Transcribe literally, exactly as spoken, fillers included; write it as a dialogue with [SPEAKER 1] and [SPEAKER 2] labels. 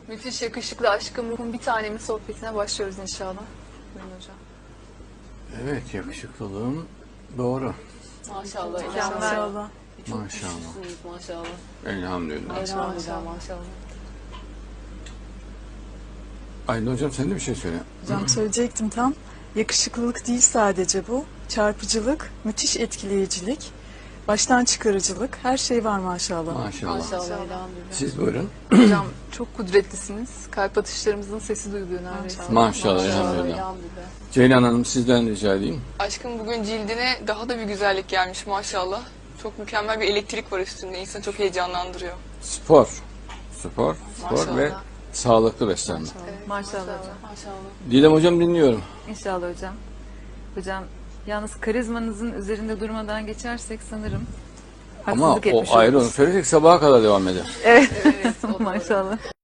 [SPEAKER 1] Müthiş yakışıklı aşkım ruhum bir tanemin sohbetine başlıyoruz inşallah. Buyurun hocam.
[SPEAKER 2] Evet, yakışıklılığım doğru.
[SPEAKER 1] Maşallah.
[SPEAKER 3] Maşallah.
[SPEAKER 1] Çok
[SPEAKER 2] Maşallah.
[SPEAKER 1] güçlüsünüz maşallah.
[SPEAKER 2] Elhamdülillah.
[SPEAKER 1] Elhamdülillah maşallah.
[SPEAKER 2] Aydın hocam sen de bir şey söyle.
[SPEAKER 3] Hocam söyleyecektim tam. Yakışıklılık değil sadece bu. Çarpıcılık, müthiş etkileyicilik, baştan çıkarıcılık, her şey var maşallah.
[SPEAKER 2] Maşallah.
[SPEAKER 1] Maşallah elhamdülillah.
[SPEAKER 2] Siz buyurun.
[SPEAKER 1] Hocam çok kudretlisiniz. Kalp atışlarımızın sesi duyuluyor neredeyse.
[SPEAKER 2] Maşallah, elhamdülillah.
[SPEAKER 1] elhamdülillah.
[SPEAKER 2] Ceylan Hanım sizden rica edeyim.
[SPEAKER 4] Aşkım bugün cildine daha da bir güzellik gelmiş maşallah. Çok mükemmel bir elektrik var üstünde. İnsanı çok heyecanlandırıyor.
[SPEAKER 2] Spor. Spor, spor
[SPEAKER 1] Maşallah.
[SPEAKER 2] ve sağlıklı beslenme.
[SPEAKER 5] Maşallah hocam.
[SPEAKER 1] Maşallah.
[SPEAKER 2] Didem hocam dinliyorum.
[SPEAKER 5] İnşallah hocam. Hocam yalnız karizmanızın üzerinde durmadan geçersek sanırım
[SPEAKER 2] Ama
[SPEAKER 5] haksızlık
[SPEAKER 2] o
[SPEAKER 5] etmiş
[SPEAKER 2] ayrı, onu
[SPEAKER 5] oluruz.
[SPEAKER 2] söyleyecek sabaha kadar devam eder.
[SPEAKER 5] Evet.
[SPEAKER 1] Evet, o doğru.
[SPEAKER 5] Maşallah.